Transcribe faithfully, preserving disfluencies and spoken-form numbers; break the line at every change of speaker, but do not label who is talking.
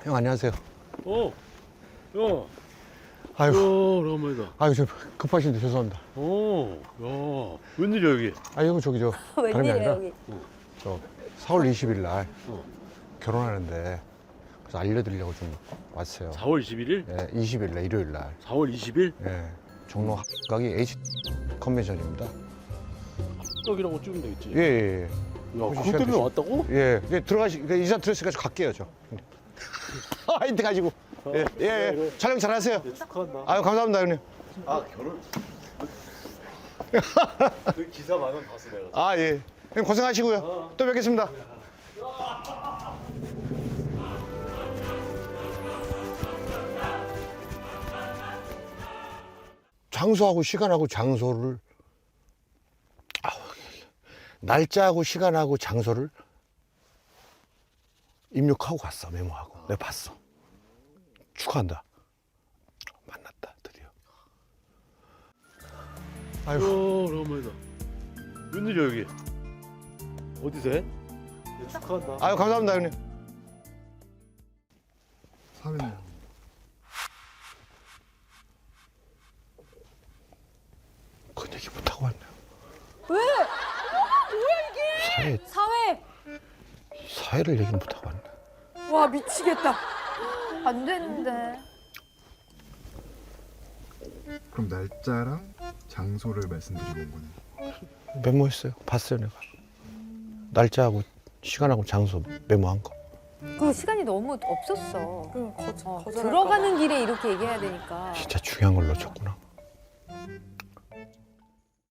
형 안녕하세요.
어, 야,
아유,
야, 오랜만이다.
아유 저 급하신데 죄송합니다.
어, 야, 웬일이야 여기?
아 형 저기 저 다름이
웬일이야
아니라
여기.
저 사월 이십일 날
어.
결혼하는데 그래서 알려드리려고 좀 왔어요.
사월 이십일일?
예, 이십 일 날 일요일 날.
사월 이십일?
예, 종로 각이 H 컨벤션입니다.
떡이라고 찍으면 되겠지.
예, 예, 예.
야,
혹시
그것
시간
때문에
되시-
왔다고?
예, 이제 들어가시, 그러니까 이사 들었으니까 저 갈게요 저. 아, 힌트 가지고. 예, 예, 예. 촬영 잘하세요.
네, 축하한다.
아유 감사합니다 형님.
아, 결혼? 그 기사 많은 봤어 내가.
아 예. 형님 고생하시고요. 또 뵙겠습니다. 장소하고 시간하고 장소를 아우, 날짜하고 시간하고 장소를 입력하고 갔어. 메모하고 내가 봤어. 축하한다. 만났다 드디어.
야,
아이고
오랜만이다. 웬일이야 여기? 어디서 해? 네, 축하한다.
아유 감사합니다 형님.
사회는
그 얘기 못하고 왔네요.
왜? 뭐야 이게?
사회
사회.
사회를 얘기 못하고 왔네.
와 미치겠다. 안 되는데.
그럼 날짜랑 장소를 말씀드리고 온 거네.
메모했어요. 봤어요 내가. 날짜하고 시간하고 장소 메모한 거.
그 시간이 너무 없었어.
그 거절,
어,
거절할까
들어가는 길에 이렇게 얘기해야 되니까.
진짜 중요한 걸 놓쳤구나.